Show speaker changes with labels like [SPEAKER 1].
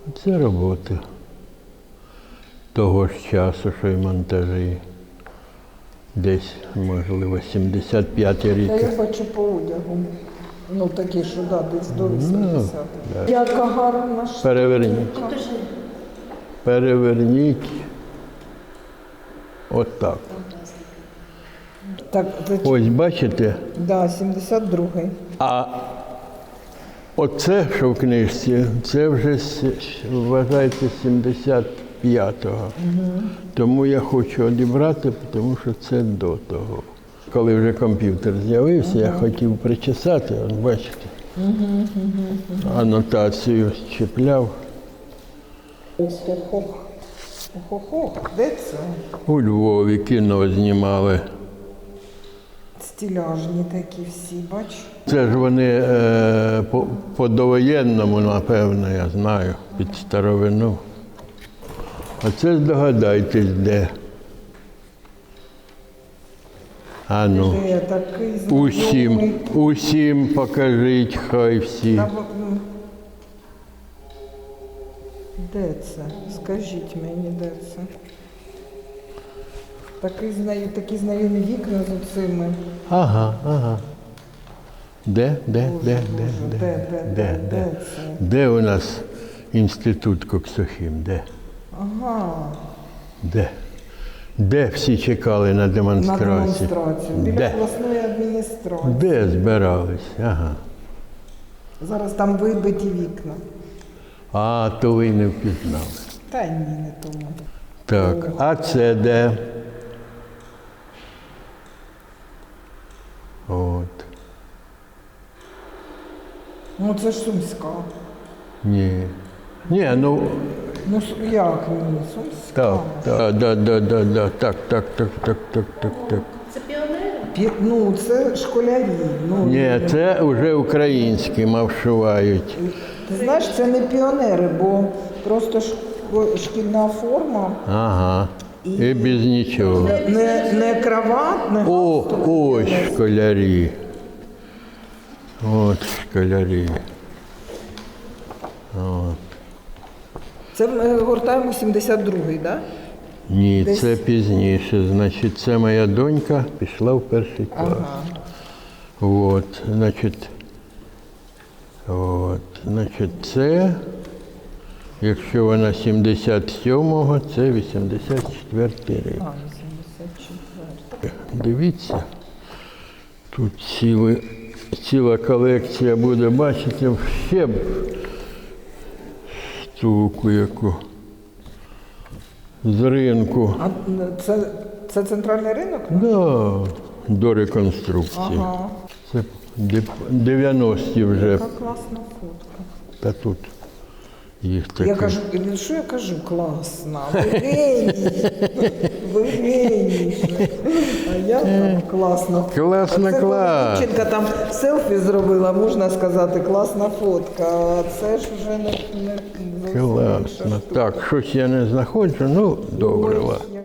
[SPEAKER 1] Це роботи того ж часу, що й монтажі. Десь, можливо, 75-й рік.
[SPEAKER 2] Та я бачу по одягу. Ну такі, що да, десь до 80.
[SPEAKER 1] Да.
[SPEAKER 2] Яка гарна штука.
[SPEAKER 1] Переверніть. Переверніть. Отак.
[SPEAKER 2] Так, це,
[SPEAKER 1] Ось бачите?
[SPEAKER 2] да, 72-й.
[SPEAKER 1] А оце, що в книжці, це вже вважається 75-го. Тому я хочу одібрати, тому що це до того. Коли вже комп'ютер з'явився, я хотів причесати, от бачите, анотацію щепляв.
[SPEAKER 2] Ох-ох-ох. Ох-ох-ох. Де це?
[SPEAKER 1] У Львові кіно знімали.
[SPEAKER 2] Стіляжні такі всі, бач.
[SPEAKER 1] Це ж вони по довоєнному, напевно, я знаю, під старовину. А це здогадайтесь, де. А ну,
[SPEAKER 2] Де такий знайомий.
[SPEAKER 1] усім покажіть, хай всі.
[SPEAKER 2] Де це? Скажіть мені, де це? Такі знайомі вікна з оцими.
[SPEAKER 1] Ага. Де
[SPEAKER 2] це?
[SPEAKER 1] Де у нас інститут Коксохім? Де?
[SPEAKER 2] Ага.
[SPEAKER 1] Де всі чекали на
[SPEAKER 2] На
[SPEAKER 1] демонстрацію?
[SPEAKER 2] демонстрацію. Біля обласної адміністрації.
[SPEAKER 1] Де збирались? Ага.
[SPEAKER 2] Зараз там вибиті вікна.
[SPEAKER 1] А, то ви не впізнали.
[SPEAKER 2] Та ні, не тому.
[SPEAKER 1] Так, а це де? От.
[SPEAKER 2] Ну це ж Сумська.
[SPEAKER 1] Ні. Ні, ну,
[SPEAKER 2] Ну як ні? Сумська.
[SPEAKER 1] так.
[SPEAKER 3] Це піонери?
[SPEAKER 2] Ну це школярі. Ну,
[SPEAKER 1] Ні, це вже українські маршувають.
[SPEAKER 2] Ти знаєш, це не піонери, бо просто шкільна форма.
[SPEAKER 1] Ага. І без нічого.
[SPEAKER 2] Не крават, не
[SPEAKER 1] О,
[SPEAKER 2] галстук.
[SPEAKER 1] ось школярі. От школярі. От.
[SPEAKER 2] Це ми гортаємо 72-й, так? Да?
[SPEAKER 1] Ні,
[SPEAKER 2] Десь-
[SPEAKER 1] це пізніше. Значить, це моя донька пішла в перший клас.
[SPEAKER 2] Ага.
[SPEAKER 1] От, це, якщо вона 77-го, це 84-й рік.
[SPEAKER 2] А, 84.
[SPEAKER 1] Дивіться, тут ціла колекція буде, бачите, ще б штуку яку з ринку.
[SPEAKER 2] А це центральний ринок?
[SPEAKER 1] Да, до реконструкції.
[SPEAKER 2] Ага.
[SPEAKER 1] Це 90-ті вже.
[SPEAKER 2] Яка класна фотка.
[SPEAKER 1] Та тут їх таке.
[SPEAKER 2] Я кажу, що я кажу? Класна. Ви геній. Ви геній. А я там класна фотка.
[SPEAKER 1] Класна,
[SPEAKER 2] А це
[SPEAKER 1] клас.
[SPEAKER 2] коли дівчинка там селфі зробила, можна сказати, класна фотка. А це ж вже не зовсім інша
[SPEAKER 1] Класно.
[SPEAKER 2] штука.
[SPEAKER 1] Так, щось я не знаходжу, ну, добре.
[SPEAKER 2] Ой,
[SPEAKER 1] ладно.
[SPEAKER 2] я